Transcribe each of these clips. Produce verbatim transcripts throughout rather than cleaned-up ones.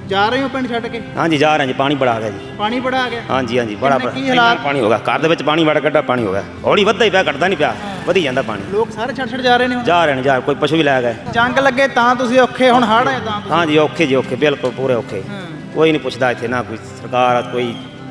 जा रहे हो पिंड छड्ड के? हाँ जी जा रहे हैं जी, पानी बड़ा आ गया जी। पानी बड़ा आ गया? हाँ जी हाँ जी बड़ा किन्ने की बड़ा हालात? पानी हो गया घर ਦੇ ਵਿੱਚ ਪਾਣੀ ਵੜ ਕੱਢਾ ਪਾਣੀ ਹੋ ਗਿਆ ਹੌਲੀ ਵੱਧਦਾ ਹੀ ਪਿਆ ਘਟਦਾ ਨਹੀਂ ਪਿਆ ਵਧੀ ਜਾਂਦਾ ਪਾਣੀ ਲੋਕ ਸਾਰੇ ਛੱਡ ਛੱਡ ਜਾ ਰਹੇ ਨੇ ਹੁਣ? ਜਾ ਰਹੇ ਨੇ ਜਾ ਕੋਈ ਪਸ਼ੂ ਵੀ ਲੈ ਗਏ ਜੰਗ ਲੱਗੇ ਤਾਂ ਤੁਸੀਂ ਔਖੇ, ਹੁਣ ਹੜ੍ਹ ਆਏ ਤਾਂ ਤੁਸੀਂ? ਹਾਂ ਜੀ ਔਖੇ ਜੀ ਔਖੇ ਬਿਲਕੁਲ ਪੂਰੇ ਔਖੇ ਕੋਈ ਨਹੀਂ ਪੁੱਛਦਾ ਇੱਥੇ ਨਾ ਕੋਈ ਸਰਕਾਰ ਕੋਈ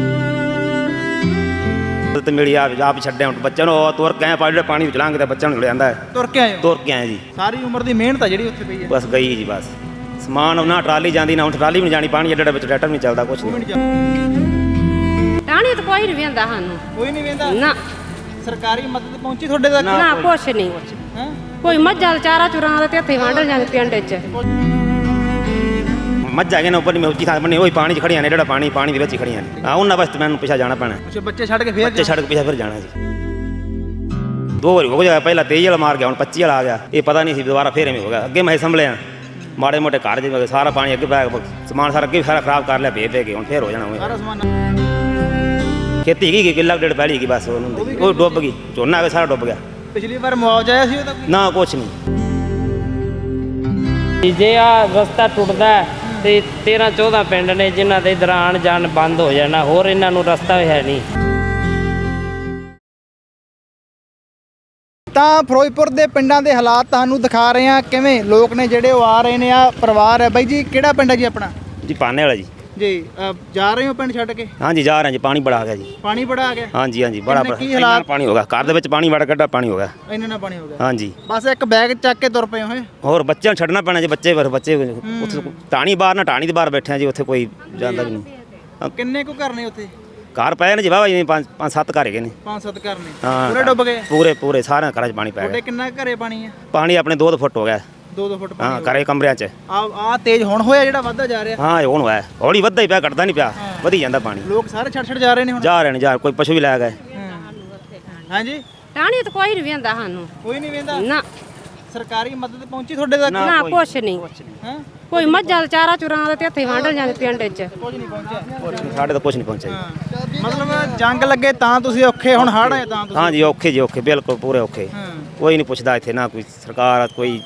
ਤੇ ਮੇਰੀ ਆਪ ਆਪ ਛੱਡਿਆ ਹੁਣ ਬੱਚਿਆਂ ਨੂੰ ਤੁਰ ਕੇ ਆਏ ਜਿਹੜੇ ਪਾਣੀ ਵਿੱਚ ਲੰਘਦੇ ਬੱਚਿਆਂ ਨੂੰ ਜਾਂਦਾ ਹੈ ਤੁਰ ਕੇ ਆਏ ਹੋ? ਤੁਰ ਕੇ ਆਏ ਜੀ ਸਾਰੀ ਉਮਰ ਦੀ ਮਿਹਨਤ ਆ ਜਿਹੜੀ ਉੱਥੇ ਪਈ ਹੈ? ਬਸ ਗਈ ਜੀ ਬਸ ਸਮਾਨ ਨਾ ਟਰਾਲੀ ਜਾਂਦੀ ਨਾ ਹੁਣ ਟਰਾਲੀ ਵੀ ਨਹੀਂ ਜਾਣੀ ਪਾਣੀ ਜਿਹੜੇ ਵਿੱਚ ਟਰੈਕਟਰ ਨਹੀਂ ਚੱਲਦਾ ਕੁਛ ਨਹੀਂ ਟਾਣੀ ਤਾਂ ਕੋਈ ਨਹੀਂ ਵੇਂਦਾ ਸਾਨੂੰ ਕੋਈ ਨਹੀਂ ਵੇਂਦਾ ਨਾ ਸਰਕਾਰੀ ਮਦਦ ਪਹੁੰਚੀ ਤੁਹਾਡੇ ਤੱਕ? ਨਾ ਕੁਛ ਨਹੀਂ ਹੈਂ? ਕੋਈ ਮੱਝਾਂ ਦਾ ਚਾਰਾ ਚੁਰਾਂ ਦਾ ਤੇ ਇੱਥੇ ਵੰਡ ਜਾਂਦੇ ਪਿੰਡ 'ਚ ਮੱਝਾਂ ਗਏ ਨਾ ਉੱਪਰ ਨਹੀਂ ਉੱਚੀ ਥਾਂ ਬਣੀ ਉਹੀ ਪਾਣੀ 'ਚ ਖੜੀਆਂ ਨੇ ਜਿਹੜਾ ਪਾਣੀ ਪਾਣੀ ਦੇ ਵਿੱਚ ਹੀ ਖੜੀਆਂ ਨੇ ਆ ਉਹਨਾਂ ਵਾਸਤੇ ਮੈਨੂੰ ਪਿੱਛਾ ਜਾਣਾ ਪੈਣਾ ਅੱਛਾ ਬੱਚੇ ਛੱਡ ਕੇ ਫੇਰ ਬੱਚੇ ਛੱਡ ਕੇ ਪਿੱਛਾ ਫਿਰ ਜਾਣਾ ਜੀ ਦੋ ਵਾਰੀ ਹੋ ਗਿਆ ਪਹਿਲਾਂ ਤੇਈ ਵਾਲਾ ਮਾਰ ਗਿਆ ਹੁਣ ਪੱਚੀ ਵਾਲਾ ਆ ਗਿਆ ਇਹ ਪਤਾ ਨਹੀਂ ਸੀ ਦੁਬਾਰਾ ਫੇਰ ਐਵੇਂ ਹੋ ਗਿਆ ਅੱਗੇ ਮੈਂ ਸੰਭਲਿਆ ਮਾੜੇ ਮੋਟੇ ਘਰ ਜਿਵੇਂ ਸਾਰਾ ਪਾਣੀ ਅੱਗੇ ਪੈ ਸਮਾਨ ਸਾਰਾ ਅੱਗੇ ਸਾਰਾ ਖਰਾਬ ਕਰ ਲਿਆ ਭੇਜ ਦੇ ਕੇ ਹੁਣ ਫੇਰ ਹੋ ਜਾਣਾ ਸਾਰਾ ਸਮਾਨ ਖੇਤੀ ਕੀ ਕਿੱਲਾ ਡੇਢ ਪਹਿਲੀ ਕੀ ਬਸ ਉਹਨੂੰ ਉਹ ਡੁੱਬ ਗਈ ਝੋਨਾ ਆ ਸਾਰਾ ਡੁੱਬ ਗਿਆ ਪਿਛਲੀ ਵਾਰ ਮੁਆਵਜ਼ਾ ਆਇਆ ਸੀ ਉਹਦਾ ਕੋਈ? ਨਾ ਕੁਛ ਨਹੀਂ ਜੇ ਆ ਰਸਤਾ ਟੁੱਟਦਾ ਤੇ ਤੇਰਾਂ ਚੌਦਾਂ ਪਿੰਡ ਨੇ ਜਿਨ੍ਹਾਂ ਦੇ ਇਧਰ ਆਉਣ ਜਾਣ ਬੰਦ ਹੋ ਜਾਣਾ ਹੋਰ ਇਹਨਾਂ ਨੂੰ ਰਸਤਾ ਹੈ ਨਹੀਂ। ਤਾਂ ਫਿਰੋਜ਼ਪੁਰ ਦੇ ਪਿੰਡਾਂ ਦੇ ਹਾਲਾਤ ਤੁਹਾਨੂੰ ਦਿਖਾ ਰਹੇ ਹਾਂ ਕਿਵੇਂ ਲੋਕ ਨੇ ਜਿਹੜੇ ਉਹ ਆ ਰਹੇ ਨੇ ਆ ਪਰਿਵਾਰ ਹੈ ਬਾਈ ਜੀ ਕਿਹੜਾ ਪਿੰਡ ਹੈ ਜੀ ਆਪਣਾ? ਜੀ ਪਾਨੇ ਵਾਲਾ ਜੀ ਜੀ ਅ, ਜਾ ਰਹੇ ਹੋ ਪਿੰਡ ਛੱਡ ਕੇ? ਹਾਂ ਜੀ ਜਾ ਰਹੇ ਜੀ ਪਾਣੀ ਬੜਾ ਆ ਗਿਆ ਜੀ ਪਾਣੀ ਬੜਾ ਆ ਗਿਆ? ਹਾਂ ਜੀ ਹਾਂ ਜੀ ਬੜਾ ਕਿੰਨੇ ਬੜਾ ਕੀ ਹਾਲਾਤ? ਪਾਣੀ ਹੋ ਗਿਆ ਘਰ ਦੇ ਵਿੱਚ ਪਾਣੀ ਵੜ ਕੱਢਾ ਪਾਣੀ ਹੋ ਗਿਆ ਇੰਨਾ ਨਾ ਪਾਣੀ ਹੋ ਗਿਆ? ਹਾਂ ਜੀ ਬਸ ਇੱਕ ਬੈਗ ਚੱਕ ਕੇ ਤੁਰ ਪਏ ਹੋਏ? ਹੋਰ ਬੱਚਿਆਂ ਨੂੰ ਛੱਡਣਾ ਪੈਣਾ ਜੀ ਬੱਚੇ ਫਿਰ ਬੱਚੇ ਉੱਥੇ ਟਾਣੀ ਬਾਹਰ ਨਾ ਟਾਣੀ ਦੇ ਬਾਹਰ ਬੈਠੇ ਆ ਜੀ ਉੱਥੇ ਕੋਈ ਜਾਂਦਾ ਵੀ ਨਹੀਂ ਕਿੰਨੇ ਕੁ ਘਰ ਨੇ ਉੱਥੇ? ਘਰ ਪਏ ਨੇ ਜੀ ਵਾਵਾ ਜੀ ਪੰਜ ਪੰਜ ਸੱਤ ਘਰ ਹੈਗੇ ਨੇ ਪੰਜ ਸੱਤ ਘਰ ਨੇ ਹਾਂ ਪੂਰੇ ਡੁੱਬ ਗਏ? ਪੂਰੇ ਪੂਰੇ ਸਾਰਿਆਂ ਘਰਾਂ 'ਚ ਪਾਣੀ ਪੈ ਤੁਹਾਡੇ ਗਿਆ ਕਿੰਨਾ ਕੁ ਘਰੇ ਪਾਣੀ ਹੈ? ਪਾਣੀ ਆਪਣੇ ਦੋ ਦੋ ਫੁੱਟ ਹੋ ਗਿਆ ਦੋ ਦੋ ਫੁੱਟ ਹਾਂ ਪਾਣੀ ਘਰੇ ਕਮਰਿਆਂ 'ਚ ਆ ਆ ਤੇਜ਼ ਹੁਣ ਹੋਇਆ ਜਿਹੜਾ ਵੱਧਦਾ ਜਾ ਰਿਹਾ? ਹਾਂ ਇਹ ਹੁਣ ਹੋਇਆ ਹੌਲੀ ਵੱਧਦਾ ਹੀ ਪਿਆ ਘਟਦਾ ਨਹੀਂ ਪਿਆ ਵਧੀ ਜਾਂਦਾ ਪਾਣੀ ਲੋਕ ਸਾਰੇ ਛੱਡ ਛੱਡ ਜਾ ਰਹੇ ਨੇ ਹੁਣ? ਜਾ ਰਹੇ ਨੇ ਜਾ ਕੋਈ ਪਸ਼ੂ ਵੀ ਲੈ ਗਏ ਹਾਂਜੀ ਟਾਣੀ ਤਾਂ ਕੋਈ ਨਹੀਂ ਵੇਂਦਾ ਸਾਨੂੰ ਕੋਈ ਨਹੀਂ ਵੇਂਦਾ? ਨਾ ਸਰਕਾਰੀ ਮਦਦ ਪਹੁੰਚੀ ਤੁਹਾਡੇ ਤੱਕ? ਨਾ ਕੁਛ ਨਹੀਂ ਹੈਂ? ਕੋਈ ਮੱਝਾਂ ਦਾ ਚਾਰਾ ਚੁਰਾਂ ਦਾ ਤੇ ਇੱਥੇ ਵੰਡ ਜਾਂਦੇ ਪਿੰਡ 'ਚ ਕੁਝ ਨਹੀਂ ਪਹੁੰਚਿਆ? ਸਾਡੇ ਤਾਂ ਕੁਝ ਨਹੀਂ ਪਹੁੰਚਿਆ ਜੀ ਮਤਲਬ ਜੰਗ ਲੱਗੇ ਤਾਂ ਤੁਸੀਂ ਔਖੇ, ਹੁਣ ਹੜ੍ਹ ਆਏ ਤਾਂ ਤੁਸੀਂ? ਹਾਂ ਜੀ ਔਖੇ ਜੀ ਔਖੇ ਬਿਲਕੁਲ ਪੂਰੇ ਔਖੇ ਕੋਈ ਨਹੀਂ ਪੁੱਛਦਾ ਇੱਥੇ ਨਾ ਕੋਈ ਸਰਕਾਰ ਕੋਈ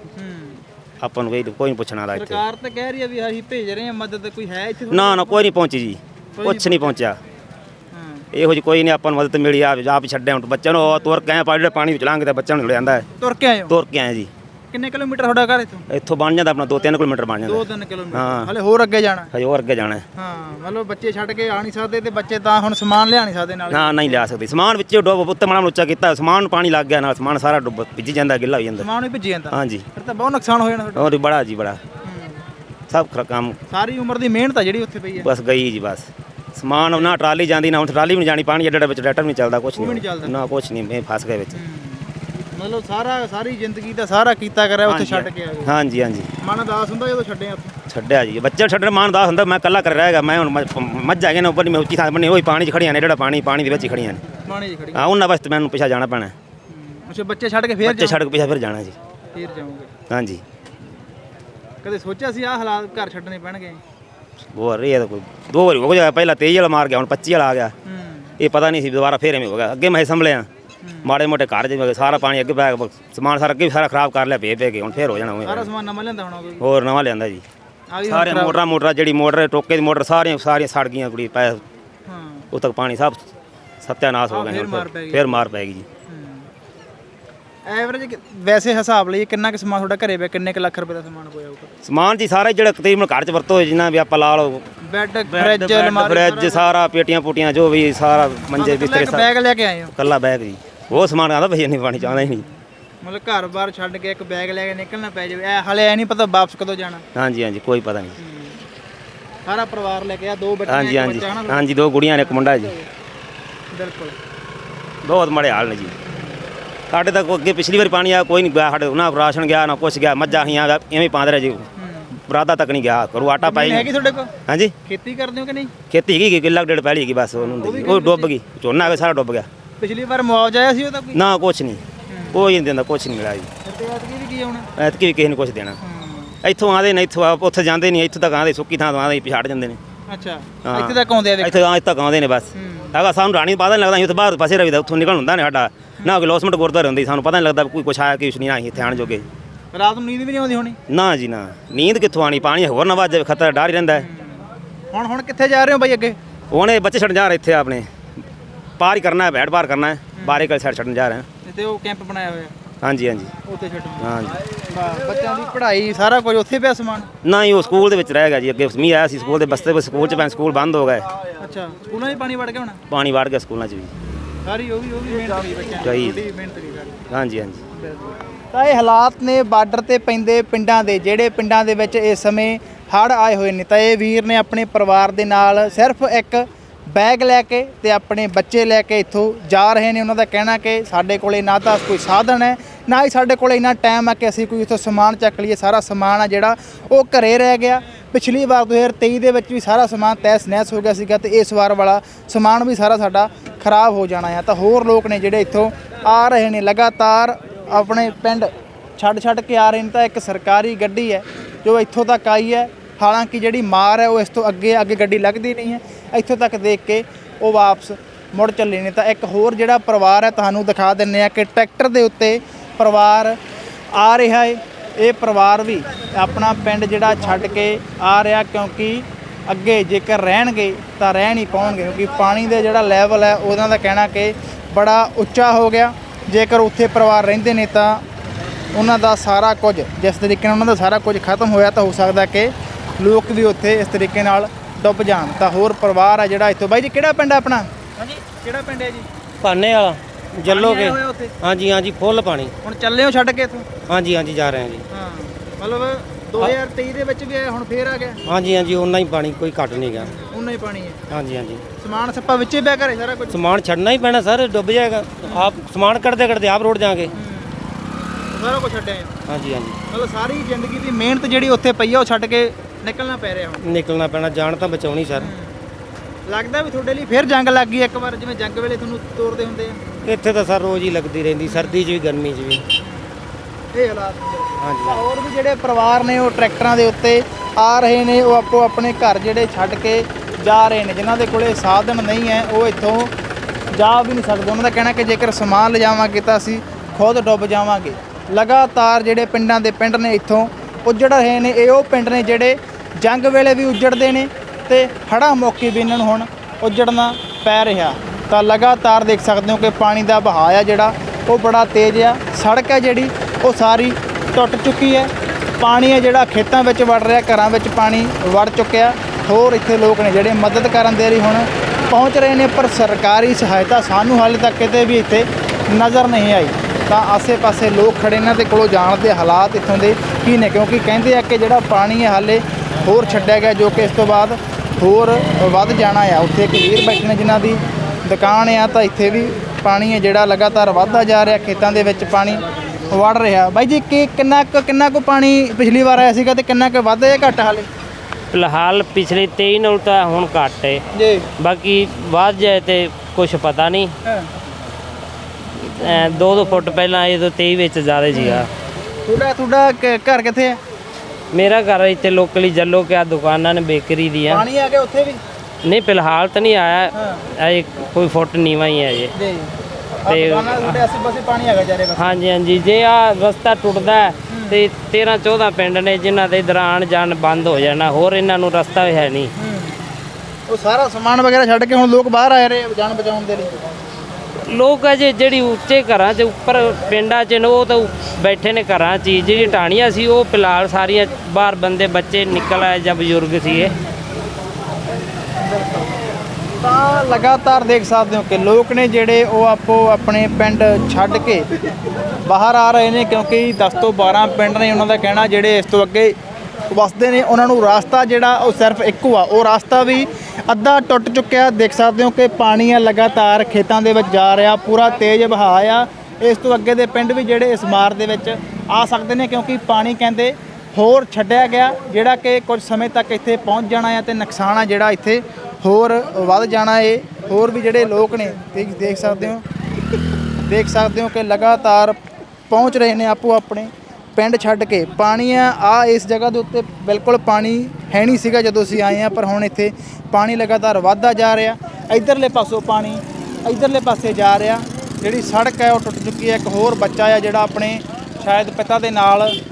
ਆਪਾਂ ਨੂੰ ਕੋਈ ਕੋਈ ਨਹੀਂ ਪੁੱਛਣ ਵਾਲਾ ਇੱਥੇ ਸਰਕਾਰ ਤਾਂ ਕਹਿ ਰਹੀ ਹੈ ਵੀ ਅਸੀਂ ਭੇਜ ਰਹੇ ਹਾਂ ਮਦਦ, ਕੋਈ ਹੈ ਇੱਥੇ? ਨਾ ਨਾ ਕੋਈ ਨਹੀਂ ਪਹੁੰਚੀ ਜੀ ਕੁਛ ਨਹੀਂ ਪਹੁੰਚਿਆ ਇਹੋ ਜੀ ਕੋਈ ਨਹੀਂ ਆਪਾਂ ਨੂੰ ਮਦਦ ਮਿਲੀ ਆ ਆਪ ਛੱਡਿਆ ਹੁਣ ਬੱਚਿਆਂ ਨੂੰ ਉਹ ਤੁਰ ਕੇ ਆਏ ਜਿਹੜੇ ਪਾਣੀ ਵਿੱਚ ਲੰਘਦੇ ਬੱਚਿਆਂ ਨੂੰ ਜਾਂਦਾ ਹੈ ਤੁਰ ਕੇ ਆਏ ਹੋ? ਤੁਰ ਕੇ ਆਏ ਜੀ ਕਿੰਨੇ ਕਿਲੋਮੀਟਰ ਤੁਹਾਡਾ ਘਰ ਇੱਥੋਂ? ਇੱਥੋਂ ਬਣ ਜਾਂਦਾ ਆਪਣਾ ਦੋ ਤਿੰਨ ਕਿਲੋਮੀਟਰ ਬਣ ਦੋ ਜਾਂਦਾ ਤਿੰਨ ਕਿਲੋਮੀਟਰ ਹਾਂ। ਹਲੇ ਹੋਰ ਅੱਗੇ ਜਾਣਾ? ਹਜੇ ਹੋਰ ਅੱਗੇ ਜਾਣਾ ਹੈ। ਹਾਂ ਮਤਲਬ ਬੱਚੇ ਛੱਡ ਕੇ ਆ ਨਹੀਂ ਸਕਦੇ ਤੇ ਬੱਚੇ ਤਾਂ ਹੁਣ ਸਮਾਨ ਲਿਆ ਨਹੀਂ ਸਕਦੇ ਨਾਲ? ਨਾ ਨਹੀਂ ਲਿਆ ਸਕਦੀ ਸਮਾਨ ਵਿੱਚ ਡੁੱਬ ਉੱਤੇ ਮਾੜਾ ਉੱਚਾ ਕੀਤਾ ਸਮਾਨ ਨੂੰ ਪਾਣੀ ਲੱਗ ਗਿਆ ਨਾਲ ਸਮਾਨ ਸਾਰਾ ਡੁੱਬ ਭਿੱਜ ਜਾਂਦਾ ਗਿੱਲਾ ਹੋ ਜਾਂਦਾ ਸਮਾਨ ਵੀ ਭਿੱਜੀ ਜਾਂਦਾ? ਹਾਂ ਜੀ ਫਿਰ ਤਾਂ ਬਹੁਤ ਨੁਕਸਾਨ ਹੋ ਜਾਣਾ ਤੁਹਾਡਾ। ਹੋਰ ਬੜਾ ਜੀ ਬੜਾ ਸਭ ਖਰਾ ਕੰਮ ਸਾਰੀ ਉਮਰ ਦੀ ਮਿਹਨਤ ਆ ਜਿਹੜੀ ਉੱਥੇ ਪਈ ਹੈ? ਬਸ ਗਈ ਜੀ ਬਸ ਸਮਾਨ ਨਾ ਟਰਾਲੀ ਜਾਂਦੀ ਨਾ ਹੁਣ ਟਰਾਲੀ ਵੀ ਨਹੀਂ ਜਾਣੀ ਪਾਣੀ ਜਿਹੜਾ ਵਿੱਚ ਟਰੈਕਟਰ ਨਹੀਂ ਚੱਲਦਾ ਕੁਛ ਉਹ ਵੀ ਨਹੀਂ ਨਹੀਂ ਚੱਲਦਾ? ਨਾ ਕੁਛ ਨਹੀਂ ਮੈਂ ਫਸ ਗਿਆ ਵਿੱਚ ਮਤਲਬ ਸਾਰਾ ਸਾਰੀ ਜ਼ਿੰਦਗੀ ਦਾ ਸਾਰਾ ਕੀਤਾ ਕਰਿਆ ਉੱਥੇ ਛੱਡ ਕੇ ਆ ਗਏ? ਹਾਂ ਜੀ ਹਾਂ ਜੀ ਮਨ ਉਦਾਸ ਹੁੰਦਾ ਜਦੋਂ ਛੱਡੇ ਉੱਥੇ? ਛੱਡਿਆ ਜੀ ਬੱਚੇ ਛੱਡਣ ਮਾਨ ਦਾ ਹੁੰਦਾ ਮੈਂ ਕੱਲਾ ਕਰ ਰਹੇਗਾ ਮੈਂ ਹੁਣ ਮੱਝਾਂ ਗਏ ਨੇ ਉੱਪਰ ਮੈਂ ਉੱਚੀ ਥਾਂ ਬਣੀ ਉਹੀ ਪਾਣੀ 'ਚ ਖੜੀਆਂ ਨੇ ਜਿਹੜਾ ਪਾਣੀ ਪਾਣੀ ਦੇ ਵਿੱਚ ਹੀ ਖੜੀਆਂ ਨੇ ਪਾਣੀ 'ਚ ਖੜੀ? ਹਾਂ ਉਹਨਾਂ ਵਾਸਤੇ ਮੈਨੂੰ ਪਿੱਛਾ ਜਾਣਾ ਪੈਣਾ ਅੱਛਾ ਬੱਚੇ ਛੱਡ ਕੇ ਫੇਰ ਬੱਚੇ ਛੱਡ ਕੇ ਪਿੱਛਾ ਫਿਰ ਜਾਣਾ ਜੀ ਫੇਰ ਜਾਓਗੇ? ਹਾਂ ਜੀ ਕਦੇ ਸੋਚਿਆ ਸੀ ਆਹ ਹਾਲਾਤ ਘਰ ਛੱਡਣੇ ਪੈਣਗੇ? ਹੋਰ ਇਹ ਤਾਂ ਕੋਈ ਦੋ ਵਾਰੀ ਹੋ ਗਿਆ ਪਹਿਲਾਂ ਤੇਈ ਵਾਲਾ ਮਾਰ ਗਿਆ ਹੁਣ ਪੱਚੀ ਵਾਲਾ ਆ ਗਿਆ ਇਹ ਪਤਾ ਨਹੀਂ ਸੀ ਦੁਬਾਰਾ ਫੇਰ ਐਵੇਂ ਹੋ ਗਿਆ ਅੱਗੇ ਮੈਂ ਸੰਭਲਿਆ ਮਾੜੇ ਮੋਟੇ ਘਰ ਜਿਵੇਂ ਸਾਰਾ ਪਾਣੀ ਅੱਗੇ ਪੈ ਸਮਾਨ ਸਾਰਾ ਅੱਗੇ ਸਾਰਾ ਖਰਾਬ ਕਰ ਲਿਆ ਭੇਜ ਦੇ ਕੇ ਹੁਣ ਫੇਰ ਹੋ ਜਾਣਾ ਸਾਰਾ ਸਮਾਨ ਨਵਾਂ ਲਿਆਂਦਾ ਹੋਣਾ ਕੋਈ? ਹੋਰ ਨਵਾਂ ਲਿਆਂਦਾ ਜੀ ਆ ਵੀ ਸਾਰੇ ਮੋਟਰਾਂ ਮੋਟਰਾਂ ਜਿਹੜੀ ਮੋਟਰ ਟੋਕੇ ਦੀ ਮੋਟਰ ਸਾਰੀਆਂ ਸਾਰੀਆਂ ਸੜ ਗਈਆਂ ਕੁੜੀ ਪੈ ਹਾਂ ਉਹ ਤੱਕ ਪਾਣੀ ਸਭ ਸੱਤਿਆਨਾਸ਼ ਹੋ ਗਏ ਫੇਰ ਮਾਰ ਪੈ ਗਈ ਜੀ ਐਵਰੇਜ ਵੈਸੇ ਹਿਸਾਬ ਲਈ ਕਿੰਨਾ ਕੁ ਸਮਾਨ ਤੁਹਾਡਾ ਘਰੇ ਪਿਆ? ਕਿੰਨੇ ਕੁ ਲੱਖ ਰੁਪਏ ਦਾ ਸਮਾਨ ਪਿਆ ਹੋਊਗਾ? ਸਮਾਨ ਜੀ ਸਾਰਾ ਜਿਹੜਾ ਤਕਰੀਬਨ ਘਰ 'ਚ ਵਰਤੋ ਹੋਏ ਜਿੰਨਾ ਵੀ ਆਪਾਂ ਲਾ ਲਓ ਬੈੱਡ ਫ੍ਰਿਜ ਅਲਮਾਰੀ ਫ੍ਰਿਜ ਸਾਰਾ ਪੇਟੀਆਂ ਪੂਟੀਆਂ ਜੋ ਵੀ ਸਾਰਾ ਮੰਜੇ ਬਿਸਤਰੇ ਇੱਕ ਬੈਗ ਲੈ ਕੇ ਆਏ ਹੋ? ਕੱਲਾ ਬੈਗ ਜੀ ਉਹ ਸਮਾਨ ਆਉਂਦਾ ਭਈ ਨਹੀਂ ਪਾਣੀ ਚਾਹੁੰਦਾ ਹੀ ਨਹੀਂ ਮਤਲਬ ਘਰ-ਬਾਰ ਛੱਡ ਕੇ ਇੱਕ ਬੈਗ ਲੈ ਕੇ ਨਿਕਲਣਾ ਪੈ ਜਾਵੇ ਐ ਹਲੇ ਐ ਨਹੀਂ ਪਤਾ ਵਾਪਸ ਕਦੋਂ ਜਾਣਾ? ਹਾਂਜੀ ਹਾਂਜੀ ਕੋਈ ਪਤਾ ਨਹੀਂ ਸਾਰਾ ਪਰਿਵਾਰ ਲੈ ਕੇ ਆ ਦੋ ਬੱਚੇ ਹਾਂਜੀ ਹਾਂਜੀ ਹਾਂਜੀ ਦੋ ਕੁੜੀਆਂ ਨੇ ਇੱਕ ਮੁੰਡਾ ਜੀ ਬਿਲਕੁਲ ਬਹੁਤ ਮਾੜੇ ਹਾਲ ਨੇ ਜੀ ਸਾਡੇ ਤਾਂ ਅੱਗੇ ਪਿਛਲੀ ਵਾਰ ਪਾਣੀ ਆਇਆ ਕੋਈ ਨਹੀਂ ਗਿਆ ਸਾਡੇ ਨਾ ਰਾਸ਼ਨ ਗਿਆ ਨਾ ਕੁਛ ਗਿਆ ਮੱਝਾਂ ਹੀਆਂ ਐਵੇਂ ਪਾਉਂਦੇ ਰਹੇ ਜੀ ਬਰਾਦਾ ਤੱਕ ਨਹੀਂ ਗਿਆ ਕਰੂ ਆਟਾ ਪਾਈ ਹੈਗੀ ਤੁਹਾਡੇ ਕੋਲ? ਹਾਂਜੀ ਖੇਤੀ ਕਰਦੇ ਹੋ ਕਿ ਨਹੀਂ? ਖੇਤੀ ਹੈਗੀ ਕਿੱਲਾ ਡੇਢ ਪਹਿਲੀ ਹੈਗੀ ਬਸ ਉਹਨੂੰ ਉਹ ਡੁੱਬ ਗਈ ਝੋਨਾ ਆ ਗਿਆ ਸਾਰਾ ਡੁੱਬ ਗਿਆ ਪਿਛਲੀ ਵਾਰ ਮੁਆਵਜ਼ਾ ਆਇਆ ਸੀ ਉਹਦਾ ਕੋਈ? ਨਾ ਕੁਛ ਨਹੀਂ ਕੋਈ ਨਹੀਂ ਦਿੰਦਾ ਕੁਛ ਨਹੀਂ ਮਿਲਿਆ ਜੀ ਤੇ ਐਤਕੀ ਵੀ ਕੀ ਆਉਣਾ? ਐਤਕੀ ਵੀ ਕਿਸੇ ਨੂੰ ਕੁਛ ਦੇਣਾ ਇੱਥੋਂ ਆਉਂਦੇ ਨੇ ਇੱਥੋਂ ਉੱਥੇ ਜਾਂਦੇ ਨਹੀਂ ਇੱਥੋਂ ਤੱਕ ਆਉਂਦੇ ਸੁੱਕੀ ਥਾਂ ਤੋਂ ਆਉਂਦੇ ਪਿਛਾੜ ਜਾਂਦੇ ਨੇ ਅੱਛਾ ਇੱਥੇ ਤੱਕ ਆਉਂਦੇ ਆ ਵੇਖ? ਇੱਥੇ ਇੱਥੇ ਤੱਕ ਆਉਂਦੇ ਨੇ ਬਸ ਹੈਗਾ ਸਾਨੂੰ ਰਾਣੀ ਪਤਾ ਨਹੀਂ ਲੱਗਦਾ ਇੱਥੇ ਬਾਹਰ ਪਾਸੇ ਰਹੀਦਾ ਉੱਥੋਂ ਨਿਕਲ ਹੁੰਦਾ ਨੇ ਸਾਡਾ ਨਾ ਕੋਈ ਲੋਸਮੈਂਟ ਗੁਰਦੁਆਰੇ ਹੁੰਦੀ ਸਾਨੂੰ ਪਤਾ ਨਹੀਂ ਲੱਗਦਾ ਕੋਈ ਕੁਛ ਆਇਆ ਕੁਛ ਨਹੀਂ ਆਈ ਇੱਥੇ ਆਣ ਜੋਗੇ ਰਾਤ ਨੂੰ ਨੀਂਦ ਵੀ ਨਹੀਂ ਆਉਂਦੀ ਹੋਣੀ? ਨਾ ਜੀ ਨਾ, ਨੀਂਦ ਕਿੱਥੋਂ ਆਣੀ, ਪਾਣੀ ਹੋਰ ਨਾ ਵੱਜ ਜਾਵੇ ਖਤਰਾ ਡਰ ਹੀ ਰਹਿੰਦਾ ਹੈ। ਹੁਣ ਹੁਣ ਕਿੱਥੇ ਜਾ ਰਹੇ ਹੋ ਬਾਈ ਅੱਗੇ? ਉਹਨੇ ਬੱਚੇ ਛੱਡਣ ਜਾ ਰਹੇ ਇੱਥੇ ਆਪਣੇ ਪਾਰ ਹੀ ਕਰਨਾ ਹੈ, ਬੈਠ ਪਾਰ ਕਰਨਾ ਹੈ, ਬਾਰੇ ਕਲ ਸਾਈਡ ਛੱਡਣ ਜਾ ਰਹੇ ਹਾਂ। ਤੇ ਉਹ ਕੈਂਪ ਬਣਾਇਆ ਹੋਇਆ ਹਾਂਜੀ ਹਾਂਜੀ ਉੱਥੇ ਛੱਡਣ? ਹਾਂਜੀ। ਵਾਹ, ਬੱਚਿਆਂ ਦੀ ਪੜ੍ਹਾਈ ਸਾਰਾ ਕੁਝ ਉੱਥੇ ਪਿਆ ਸਮਾਨ? ਨਾ ਹੀ ਉਹ ਸਕੂਲ ਦੇ ਵਿੱਚ ਰਹਿ ਗਿਆ ਜੀ, ਅੱਗੇ ਮੀਂਹ ਆਇਆ ਸੀ ਸਕੂਲ ਦੇ ਬਸਤੇ ਵਿੱਚ, ਸਕੂਲ ਚ ਪੈ ਸਕੂਲ ਬੰਦ ਹੋ ਗਏ, ਅੱਛਾ, ਸਕੂਲਾਂ 'ਚ ਪਾਣੀ ਵੜ ਗਿਆ ਹੋਣਾ? ਪਾਣੀ ਵੜ ਗਿਆ ਸਕੂਲਾਂ ਚ ਵੀ। ਸਾਰੀ ਉਹ ਵੀ ਉਹ ਵੀ ਮਿਹਨਤ ਕਰੀ ਬੱਚਿਆਂ ਸਹੀ। ਨੇ, ਬੜੀ ਮਿਹਨਤ ਕਰੀ ਸਾਰੀ। ਹਾਂਜੀ ਹਾਂਜੀ। ਤਾਂ ਇਹ ਹਾਲਾਤ ਨੇ ਬਾਰਡਰ ਤੇ ਪੈਂਦੇ ਪਿੰਡਾਂ ਦੇ, ਜਿਹੜੇ ਪਿੰਡਾਂ ਦੇ ਵਿੱਚ ਇਸ ਸਮੇਂ ਹੜ੍ਹ ਆਏ ਹੋਏ ਨੇ। ਤਾਂ ਇਹ ਵੀਰ ਨੇ ਆਪਣੇ ਪਰਿਵਾਰ ਦੇ ਨਾਲ ਸਿਰਫ ਇੱਕ ਬੈਗ ਲੈ ਕੇ ਤੇ ਆਪਣੇ ਬੱਚੇ ਲੈ ਕੇ ਇੱਥੋਂ ਜਾ ਰਹੇ ਨੇ। ਉਹਨਾਂ ਦਾ ਕਹਿਣਾ ਕਿ ਸਾਡੇ ਕੋਲੇ ਨਾ ਤਾਂ ਕੋਈ ਸਾਧਨ ਹੈ, ਨਾ ਹੀ ਸਾਡੇ ਕੋਲੇ ਇੰਨਾ ਟਾਈਮ ਹੈ ਕਿ ਅਸੀਂ ਕੋਈ ਇੱਥੋਂ ਸਮਾਨ ਚੱਕ ਲਈਏ। ਸਾਰਾ ਸਮਾਨ ਆ ਜਿਹੜਾ ਉਹ ਘਰੇ ਰਹਿ ਗਿਆ। ਪਿਛਲੀ ਵਾਰ ਦੋ ਹਜ਼ਾਰ ਤੇਈ ਦੇ ਵਿੱਚ ਵੀ ਸਾਰਾ ਸਮਾਨ ਤਹਿਸ ਨਹਿਸ ਹੋ ਗਿਆ ਸੀਗਾ, ਤੇ ਇਸ ਵਾਰ ਵਾਲਾ ਸਮਾਨ ਵੀ ਸਾਰਾ ਸਾਡਾ ਖਰਾਬ ਹੋ ਜਾਣਾ ਆ। ਤਾਂ ਹੋਰ ਲੋਕ ਨੇ ਜਿਹੜੇ ਇੱਥੋਂ ਆ ਰਹੇ ਨੇ, ਲਗਾਤਾਰ ਆਪਣੇ ਪਿੰਡ ਛੱਡ ਛੱਡ ਕੇ ਆ ਰਹੇ ਨੇ। ਤਾਂ ਇੱਕ ਸਰਕਾਰੀ ਗੱਡੀ ਹੈ ਜੋ ਇੱਥੋਂ ਤੱਕ ਆਈ ਹੈ, ਹਾਲਾਂਕਿ ਜਿਹੜੀ ਮਾਰ ਹੈ ਉਹ ਇਸ ਤੋਂ ਅੱਗੇ ਅੱਗੇ ਗੱਡੀ ਲੱਗਦੀ ਨਹੀਂ ਹੈ, ਇੱਥੋਂ ਤੱਕ ਦੇਖ ਕੇ ਉਹ ਵਾਪਸ ਮੁੜ ਚੱਲੇ ਨੇ। ਤਾਂ ਇੱਕ ਹੋਰ ਜਿਹੜਾ ਪਰਿਵਾਰ ਹੈ ਤੁਹਾਨੂੰ ਦਿਖਾ ਦਿੰਦੇ ਆ ਕਿ ਟਰੈਕਟਰ ਦੇ ਉੱਤੇ ਪਰਿਵਾਰ ਆ ਰਿਹਾ ਹੈ। ਇਹ ਪਰਿਵਾਰ ਵੀ ਆਪਣਾ ਪਿੰਡ ਜਿਹੜਾ ਛੱਡ ਕੇ ਆ ਰਿਹਾ, ਕਿਉਂਕਿ ਅੱਗੇ ਜੇਕਰ ਰਹਿਣਗੇ ਤਾਂ ਰਹਿ ਨਹੀਂ ਪਾਉਣਗੇ, ਕਿਉਂਕਿ ਪਾਣੀ ਦਾ ਜਿਹੜਾ ਲੈਵਲ ਹੈ ਉਹਨਾਂ ਦਾ ਕਹਿਣਾ ਕਿ ਬੜਾ ਉੱਚਾ ਹੋ ਗਿਆ। ਜੇਕਰ ਉੱਥੇ ਪਰਿਵਾਰ ਰਹਿੰਦੇ ਨੇ ਤਾਂ ਉਹਨਾਂ ਦਾ ਸਾਰਾ ਕੁਝ, ਜਿਸ ਤਰੀਕੇ ਨਾਲ ਉਹਨਾਂ ਦਾ ਸਾਰਾ ਕੁਝ ਖਤਮ ਹੋਇਆ, ਤਾਂ ਹੋ ਸਕਦਾ ਕਿ ਲੋਕ ਵੀ ਉੱਥੇ ਇਸ ਤਰੀਕੇ ਨਾਲ ਡੁੱਬ ਜਾਣ। ਤਾਂ ਹੋਰ ਪਰਿਵਾਰ ਆ ਜਿਹੜਾ ਇੱਥੋਂ। ਬਾਈ ਜੀ ਕਿਹੜਾ ਪਿੰਡ ਆ ਆਪਣਾ? ਹਾਂਜੀ, ਕਿਹੜਾ ਪਿੰਡ ਹੈ ਜੀ? ਭਾਨੇ ਵਾਲਾ ਜੱਲੋ ਕੇ। ਹੋਇਆ ਉੱਥੇ? ਹਾਂਜੀ ਹਾਂਜੀ, ਫੁੱਲ ਪਾਣੀ। ਹੁਣ ਚੱਲੇ ਹੋ ਛੱਡ ਕੇ ਇੱਥੋਂ? ਹਾਂਜੀ ਹਾਂਜੀ, ਜਾ ਰਹੇ ਹਾਂ ਜੀ। ਹਾਂ, ਮਤਲਬ ਦੋ ਹਜ਼ਾਰ ਤੇਈ ਦੇ ਵਿੱਚ ਵੀ ਆਇਆ, ਹੁਣ ਫੇਰ ਆ ਗਿਆ? ਹਾਂਜੀ ਹਾਂਜੀ, ਉਨਾ ਹੀ ਪਾਣੀ, ਕੋਈ ਘੱਟ ਨਹੀਂ ਗਿਆ। ਉਨਾ ਹੀ ਪਾਣੀ ਹੈ? ਹਾਂਜੀ ਹਾਂਜੀ, ਸਮਾਨ ਸੱਪਾ ਵਿੱਚੇ ਪਿਆ ਘਰੇ ਸਾਰਾ ਕੁਝ? ਸਮਾਨ ਛੱਡਣਾ ਹੀ ਪੈਣਾ ਸਰ, ਡੁੱਬ ਜਾਏਗਾ। ਆਪ ਸਮਾਨ ਕੱਢਦੇ ਕੱਢਦੇ ਆਪ ਰੋੜ ਜਾਾਂਗੇ। ਸਾਰਾ ਕੁਝ ਛੱਡਿਆ ਹੈ? ਹਾਂਜੀ ਹਾਂਜੀ, ਮਤਲਬ ਸਾਰੀ ਜ਼ਿੰਦਗੀ ਦੀ ਮਿਹਨਤ ਜਿਹੜੀ ਉੱਥੇ ਪਈ ਆ ਉਹ ਛੱਡ ਕੇ ਨਿਕਲਣਾ ਪੈ ਰਿਹਾ ਹੁਣ? ਨਿਕਲਣਾ ਪੈਣਾ, ਜਾਨ ਤਾਂ ਬਚਾਉਣੀ ਸਰ। ਲੱਗਦਾ ਵੀ ਤੁਹਾਡੇ ਲਈ ਫੇਰ ਜੰਗ ਲੱਗ ਗਈ ਇੱਕ ਵਾਰ, ਜਿਵੇਂ ਜੰਗ ਵੇਲੇ ਤੁਹਾਨੂੰ ਤੋਰਦੇ ਹੁੰਦੇ ਆ? ਇੱਥੇ ਤਾਂ ਸਰ ਰੋਜ਼ ਹੀ ਲੱਗਦੀ ਰਹਿੰਦੀ, ਸਰਦੀ 'ਚ ਵੀ ਗਰਮੀ 'ਚ ਵੀ। ਇਹ ਹਾਲਾਤ ਹੁੰਦੇ। ਹਾਂਜੀ ਤਾਂ ਹੋਰ ਵੀ ਜਿਹੜੇ ਪਰਿਵਾਰ ਨੇ ਉਹ ਟਰੈਕਟਰਾਂ ਦੇ ਉੱਤੇ ਆ ਰਹੇ ਨੇ, ਉਹ ਆਪੋ ਆਪਣੇ ਘਰ ਜਿਹੜੇ ਛੱਡ ਕੇ ਜਾ ਰਹੇ ਨੇ। ਜਿਨ੍ਹਾਂ ਦੇ ਕੋਲੇ ਸਾਧਨ ਨਹੀਂ ਹੈ ਉਹ ਇੱਥੋਂ ਜਾ ਵੀ ਨਹੀਂ ਸਕਦੇ। ਉਹਨਾਂ ਦਾ ਕਹਿਣਾ ਕਿ ਜੇਕਰ ਸਮਾਨ ਲਿਜਾਵਾਂਗੇ ਤਾਂ ਅਸੀਂ ਖੁਦ ਡੁੱਬ ਜਾਵਾਂਗੇ। ਲਗਾਤਾਰ ਜਿਹੜੇ ਪਿੰਡਾਂ ਦੇ ਪਿੰਡ ਨੇ ਇੱਥੋਂ ਉੱਜੜ ਰਹੇ ਨੇ। ਇਹ ਉਹ ਪਿੰਡ ਨੇ ਜਿਹੜੇ ਜੰਗ ਵੇਲੇ ਵੀ ਉੱਜੜਦੇ ਨੇ ਤੇ ਹੜ੍ਹਾਂ ਮੌਕੇ ਵੀ ਇਹਨਾਂ ਨੂੰ ਹੁਣ ਉੱਜੜਨਾ ਪੈ ਰਿਹਾ। ਤਾਂ ਲਗਾਤਾਰ ਦੇਖ ਸਕਦੇ ਹੋ ਕਿ ਪਾਣੀ ਦਾ ਵਹਾਅ ਆ ਜਿਹੜਾ ਉਹ ਬੜਾ ਤੇਜ਼ ਆ। ਸੜਕ ਹੈ ਜਿਹੜੀ ਉਹ ਸਾਰੀ ਟੁੱਟ ਚੁੱਕੀ ਹੈ। ਪਾਣੀ ਹੈ ਜਿਹੜਾ ਖੇਤਾਂ ਵਿੱਚ ਵੜ ਰਿਹਾ, ਘਰਾਂ ਵਿੱਚ ਪਾਣੀ ਵੜ ਚੁੱਕਿਆ। ਹੋਰ ਇੱਥੇ ਲੋਕ ਨੇ ਜਿਹੜੇ ਮਦਦ ਕਰਨ ਦੇ ਲਈ ਹੁਣ ਪਹੁੰਚ ਰਹੇ ਨੇ, ਪਰ ਸਰਕਾਰੀ ਸਹਾਇਤਾ ਸਾਨੂੰ ਹਾਲੇ ਤੱਕ ਕਿਤੇ ਵੀ ਇੱਥੇ ਨਜ਼ਰ ਨਹੀਂ ਆਈ। ਤਾਂ ਆਸੇ-ਪਾਸੇ ਲੋਕ ਖੜੇ, ਇਹਨਾਂ ਦੇ ਕੋਲੋਂ ਜਾਣ ਦੇ ਹਾਲਾਤ ਇੱਥੋਂ ਦੇ ਕੀ ਨੇ, ਕਿਉਂਕਿ ਕਹਿੰਦੇ ਆ ਕਿ ਜਿਹੜਾ ਪਾਣੀ ਹੈ ਹਾਲੇ ਹੋਰ ਛੱਡਿਆ ਗਿਆ, ਜੋ ਕਿ ਇਸ ਤੋਂ ਬਾਅਦ ਹੋਰ ਵੱਧ ਜਾਣਾ ਆ। ਉੱਥੇ ਇੱਕ ਵੀਰ ਬੈਠੇ ਨੇ ਜਿਨ੍ਹਾਂ ਦੀ ਦੁਕਾਨ ਆ, ਤਾਂ ਇੱਥੇ ਵੀ ਪਾਣੀ ਹੈ ਜਿਹੜਾ ਲਗਾਤਾਰ ਵੱਧਦਾ ਜਾ ਰਿਹਾ, ਖੇਤਾਂ ਦੇ ਵਿੱਚ ਪਾਣੀ ਵੜ ਰਿਹਾ। ਬਾਈ ਜੀ ਕਿ ਕਿੰਨਾ ਕੁ ਕਿੰਨਾ ਕੁ ਪਾਣੀ ਪਿਛਲੀ ਵਾਰ ਆਇਆ ਸੀਗਾ ਤੇ ਕਿੰਨਾ ਕੁ ਵੱਧ ਜਾਂ ਘੱਟ ਹਾਲੇ? ਫਿਲਹਾਲ ਪਿਛਲੇ ਤੇਈ ਨਾਲ ਤਾਂ ਹੁਣ ਘੱਟ ਹੈ ਜੀ, ਬਾਕੀ ਵੱਧ ਜਾਏ ਤੇ ਕੁਝ ਪਤਾ ਨਹੀਂ। ਐਂ ਦੋ ਦੋ ਫੁੱਟ ਪਹਿਲਾਂ ਇਹ ਤੋਂ ਤੇਈ ਵਿੱਚ ਜ਼ਿਆਦਾ ਸੀਗਾ। ਤੁਹਾਡਾ ਤੁਹਾਡਾ ਕ- ਘਰ ਕਿੱਥੇ ਹੈ? ਮੇਰਾ ਘਰ ਇੱਥੇ ਲੋਕਲੀ ਜੱਲੋ ਕਿਆ ਦੁਕਾਨਾਂ ਨੇ ਬੇਕਰੀ ਦੀਆਂ। ਪਾਣੀ ਆ ਗਿਆ ਉੱਥੇ ਵੀ? ਨਹੀਂ ਫਿਲਹਾਲ ਤਾਂ ਨਹੀਂ ਆਇਆ, ਇਹ ਕੋਈ ਫੁੱਟ ਨੀਵਾਂ ਹੀ ਹੈ ਜੇ। ਜੀ, ਤੇ- ਤੇ ਤੁਹਾਡੇ ਆਸੇ ਪਾਸੇ ਪਾਣੀ ਹੈਗਾ ਚਾਰੇ ਪਾਸੇ? ਹਾਂਜੀ ਹਾਂਜੀ, ਜੇ ਆ ਰਸਤਾ ਟੁੱਟਦਾ ਹੈ ਤੇ ਤੇਰਾਂ ਚੌਦਾਂ ਪਿੰਡ ਨੇ ਜਿਨ੍ਹਾਂ ਦੇ ਦਰ ਆਉਣ ਜਾਣ ਬੰਦ ਹੋ ਜਾਣਾ, ਹੋਰ ਇਹਨਾਂ ਨੂੰ ਰਸਤਾ ਵੀ ਹੈ ਨਹੀਂ। ਉਹ ਸਾਰਾ ਸਮਾਨ ਵਗੈਰਾ ਛੱਡ ਕੇ ਹੁਣ ਲੋਕ ਬਾਹਰ ਆ ਰਹੇ ਆ ਜਾਨ ਬਚਾਉਣ ਦੇ ਲਈ। ਲੋਕ ਅਜੇ ਜਿਹੜੀ ਉੱਚੇ ਘਰਾਂ 'ਚ ਉੱਪਰ ਪਿੰਡਾਂ 'ਚ ਨੇ ਉਹ ਤਾਂ ਬੈਠੇ ਨੇ ਘਰਾਂ 'ਚ ਹੀ। ਜਿਹੜੀ ਟਾਹਣੀਆਂ ਸੀ ਉਹ ਫਿਲਹਾਲ ਸਾਰੀਆਂ ਬਾਹਰ ਬੰਦੇ ਬੱਚੇ ਨਿਕਲ ਆਏ ਜਾਂ ਬਜ਼ੁਰਗ ਸੀਗੇ। ਤਾਂ ਲਗਾਤਾਰ ਦੇਖ ਸਕਦੇ ਹੋ ਕਿ ਲੋਕ ਨੇ ਜਿਹੜੇ ਉਹ ਆਪੋ ਆਪਣੇ ਪਿੰਡ ਛੱਡ ਕੇ ਬਾਹਰ ਆ ਰਹੇ ਨੇ, ਕਿਉਂਕਿ ਦਸ ਤੋਂ ਬਾਰਾਂ ਪਿੰਡ ਨੇ ਉਹਨਾਂ ਦਾ ਕਹਿਣਾ ਜਿਹੜੇ ਇਸ ਤੋਂ ਅੱਗੇ ਵਸਦੇ ਨੇ ਉਹਨਾਂ ਨੂੰ ਰਾਸਤਾ ਜਿਹੜਾ ਉਹ ਸਿਰਫ ਇੱਕੋ ਆ। ਉਹ ਰਾਸਤਾ ਵੀ ਅੱਧਾ ਟੁੱਟ ਚੁੱਕਿਆ। ਦੇਖ ਸਕਦੇ ਹੋ ਕਿ ਪਾਣੀ ਆ ਲਗਾਤਾਰ ਖੇਤਾਂ ਦੇ ਵਿੱਚ ਜਾ ਰਿਹਾ, ਪੂਰਾ ਤੇਜ਼ ਵਹਾਅ ਆ। ਇਸ ਤੋਂ ਅੱਗੇ ਦੇ ਪਿੰਡ ਵੀ ਜਿਹੜੇ ਇਸ ਮਾਰ ਦੇ ਵਿੱਚ ਆ ਸਕਦੇ ਨੇ, ਕਿਉਂਕਿ ਪਾਣੀ ਕਹਿੰਦੇ ਹੋਰ ਛੱਡਿਆ ਗਿਆ ਜਿਹੜਾ ਕਿ ਕੁਝ ਸਮੇਂ ਤੱਕ ਇੱਥੇ ਪਹੁੰਚ ਜਾਣਾ ਹੈ ਤੇ ਨੁਕਸਾਨ ਆ ਜਿਹੜਾ ਇੱਥੇ ਹੋਰ ਵੱਧ ਜਾਣਾ ਏ। ਹੋਰ ਵੀ ਜਿਹੜੇ ਲੋਕ ਨੇ ਦੇਖ ਦੇਖ ਸਕਦੇ ਹੋ ਦੇਖ ਸਕਦੇ ਹੋ ਕਿ ਲਗਾਤਾਰ ਪਹੁੰਚ ਰਹੇ ਨੇ ਆਪੋ ਆਪਣੇ ਪਿੰਡ ਛੱਡ ਕੇ। ਪਾਣੀ ਆ ਆ ਇਸ ਜਗ੍ਹਾ ਦੇ ਉੱਤੇ ਬਿਲਕੁਲ ਪਾਣੀ ਹੈ ਨਹੀਂ ਸੀਗਾ ਜਦੋਂ ਅਸੀਂ ਆਏ ਆ, ਪਰ ਹੁਣ ਇੱਥੇ ਪਾਣੀ ਲਗਾਤਾਰ ਵੱਧਦਾ ਜਾ ਰਿਹਾ। ਇਧਰਲੇ ਪਾਸੋਂ ਪਾਣੀ ਇਧਰਲੇ ਪਾਸੇ ਜਾ ਰਿਹਾ। ਜਿਹੜੀ ਸੜਕ ਹੈ ਉਹ ਟੁੱਟ ਚੁੱਕੀ ਹੈ। ਇੱਕ ਹੋਰ ਬੱਚਾ ਆ ਜਿਹੜਾ ਆਪਣੇ ਸ਼ਾਇਦ ਪਿਤਾ ਦੇ ਨਾਲ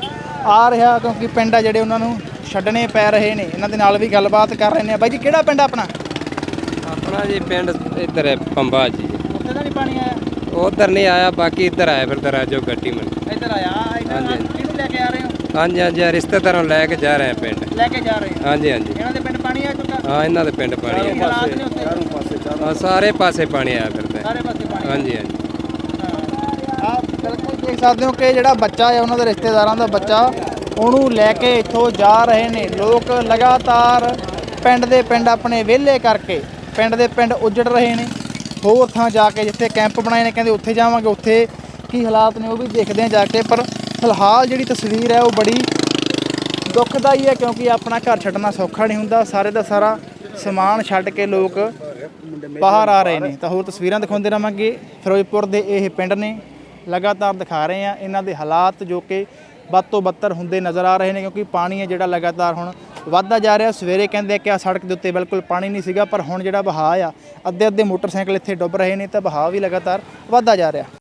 ਆ ਰਿਹਾ ਕਿਉਂਕਿ ਪਿੰਡ ਆ ਜਿਹੜੇ ਉਹਨਾਂ ਨੂੰ ਛੱਡਣੇ ਪੈ ਰਹੇ ਨੇ। ਇਹਨਾਂ ਦੇ ਨਾਲ ਵੀ ਗੱਲਬਾਤ ਕਰ ਰਹੇ ਨੇ। ਬਾਈ ਜੀ ਕਿਹੜਾ ਪਿੰਡ ਆਪਣਾ? ਆਪਣਾ ਜੀ ਪਿੰਡ ਇੱਧਰ ਹੈ ਪੰਬਾ ਜੀ। ਉੱਥੇ ਤਾਂ ਨਹੀਂ ਪਾਣੀ ਆਇਆ? ਉਧਰ ਨਹੀਂ ਆਇਆ, ਬਾਕੀ ਇੱਧਰ ਆਇਆ ਫਿਰ ਦਰਾਜੋ ਗੱਟੀ ਮਨ। ਇੱਧਰ ਆਇਆ। ਇੱਧਰ ਕਿਹਨੂੰ ਲੈ ਕੇ ਆ ਰਹੇ ਹੋ? ਹਾਂਜੀ ਹਾਂਜੀ ਰਿਸ਼ਤੇਦਾਰਾਂ ਨੂੰ ਲੈ ਕੇ ਜਾ ਰਹੇ ਆ ਪਿੰਡ। ਲੈ ਕੇ ਜਾ ਰਹੇ ਹੋ? ਹਾਂਜੀ ਹਾਂਜੀ ਇਹਨਾਂ ਦੇ ਪਿੰਡ ਪਾਣੀ ਆ ਚੁੱਕਾ? ਹਾਂ ਇਹਨਾਂ ਦੇ ਪਿੰਡ ਪਾਣੀ ਕੀ ਹੈ। ਹਾਲਾਤ ਨੇ ਉੱਥੇ? ਹਾਂ ਸਾਰੇ ਪਾਸੇ ਪਾਣੀ ਆਇਆ ਫਿਰਦਾ। ਸਾਰੇ ਪਾਸੇ ਪਾਣੀ। ਹਾਂਜੀ ਹਾਂਜੀ ਆਪ ਬਿਲਕੁਲ ਦੇਖ ਸਕਦੇ ਹੋ ਕਿ ਜਿਹੜਾ ਬੱਚਾ ਹੈ ਉਹਨਾਂ ਦੇ ਰਿਸ਼ਤੇਦਾਰਾਂ ਦਾ ਬੱਚਾ, ਉਹਨੂੰ ਲੈ ਕੇ ਇੱਥੋਂ ਜਾ ਰਹੇ ਨੇ ਲੋਕ। ਲਗਾਤਾਰ ਪਿੰਡ ਦੇ ਪਿੰਡ ਆਪਣੇ ਵਿਹਲੇ ਕਰਕੇ ਪਿੰਡ ਦੇ ਪਿੰਡ ਉਜੜ ਰਹੇ ਨੇ। ਹੋਰ ਥਾਂ ਜਾ ਕੇ ਜਿੱਥੇ ਕੈਂਪ ਬਣਾਏ ਨੇ ਕਹਿੰਦੇ ਉੱਥੇ ਜਾਵਾਂਗੇ, ਉੱਥੇ ਕੀ ਹਾਲਾਤ ਨੇ ਉਹ ਵੀ ਦੇਖਦੇ ਆ ਜਾ ਕੇ। ਪਰ ਫਿਲਹਾਲ ਜਿਹੜੀ ਤਸਵੀਰ ਹੈ ਉਹ ਬੜੀ ਦੁਖਦਾਈ ਹੈ ਕਿਉਂਕਿ ਆਪਣਾ ਘਰ ਛੱਡਣਾ ਸੌਖਾ ਨਹੀਂ ਹੁੰਦਾ। ਸਾਰੇ ਦਾ ਸਾਰਾ ਸਮਾਨ ਛੱਡ ਕੇ ਲੋਕ ਬਾਹਰ ਆ ਰਹੇ ਨੇ। ਤਾਂ ਹੋਰ ਤਸਵੀਰਾਂ ਦਿਖਾਉਂਦੇ ਰਹਾਂਗੇ। ਫਿਰੋਜ਼ਪੁਰ ਦੇ ਇਹ ਪਿੰਡ ਨੇ, ਲਗਾਤਾਰ ਦਿਖਾ ਰਹੇ ਆ ਇਹਨਾਂ ਦੇ ਹਾਲਾਤ ਜੋ ਕਿ ਵੱਧ ਤੋਂ ਬੱਤਰ ਹੁੰਦੇ ਨਜ਼ਰ ਆ ਰਹੇ ਨੇ ਕਿਉਂਕਿ ਪਾਣੀ ਹੈ ਜਿਹੜਾ ਲਗਾਤਾਰ ਹੁਣ ਵੱਧਦਾ ਜਾ ਰਿਹਾ। ਸਵੇਰੇ ਕਹਿੰਦੇ ਕਿ ਆ ਸੜਕ ਦੇ ਉੱਤੇ ਬਿਲਕੁਲ ਪਾਣੀ ਨਹੀਂ ਸੀਗਾ, ਪਰ ਹੁਣ ਜਿਹੜਾ ਵਹਾਅ ਆ, ਅੱਧੇ ਅੱਧੇ ਮੋਟਰਸਾਈਕਲ ਇੱਥੇ ਡੁੱਬ ਰਹੇ ਨੇ ਤਾਂ ਵਹਾਅ ਵੀ ਲਗਾਤਾਰ ਵੱਧਦਾ ਜਾ ਰਿਹਾ।